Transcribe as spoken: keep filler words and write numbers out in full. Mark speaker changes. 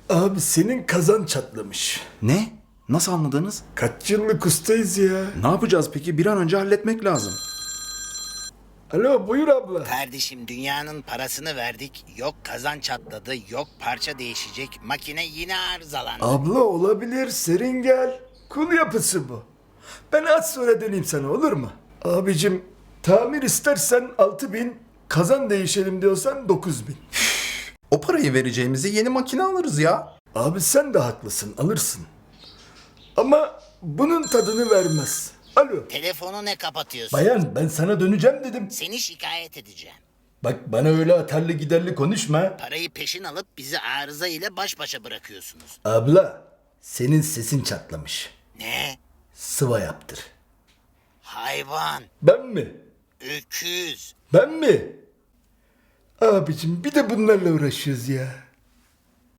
Speaker 1: Abi senin kazan çatlamış.
Speaker 2: Ne? Nasıl anladınız?
Speaker 1: Kaç yıllık ustayız ya.
Speaker 2: Ne yapacağız peki? Bir an önce halletmek lazım.
Speaker 1: Alo buyur abla.
Speaker 3: Kardeşim dünyanın parasını verdik. Yok kazan çatladı, yok parça değişecek. Makine yine arızalandı.
Speaker 1: Abla olabilir, serin gel. Kul yapısı bu. Ben az sonra döneyim sana, olur mu? Abicim tamir istersen altı bin, kazan değişelim diyorsan dokuz bin.
Speaker 2: O parayı vereceğimizi yeni makine alırız ya.
Speaker 1: Abi sen de haklısın, alırsın. Ama bunun tadını vermez. Alo.
Speaker 3: Telefonu ne kapatıyorsun?
Speaker 1: Bayan ben sana döneceğim dedim.
Speaker 3: Seni şikayet edeceğim.
Speaker 1: Bak bana öyle atarlı giderli konuşma.
Speaker 3: Parayı peşin alıp bizi arıza ile baş başa bırakıyorsunuz.
Speaker 1: Abla senin sesin çatlamış.
Speaker 3: Ne?
Speaker 1: Sıva yaptır.
Speaker 3: Hayvan,
Speaker 1: Ben mi?
Speaker 3: öküz.
Speaker 1: Ben mi? Abicim bir de bunlarla uğraşıyoruz ya.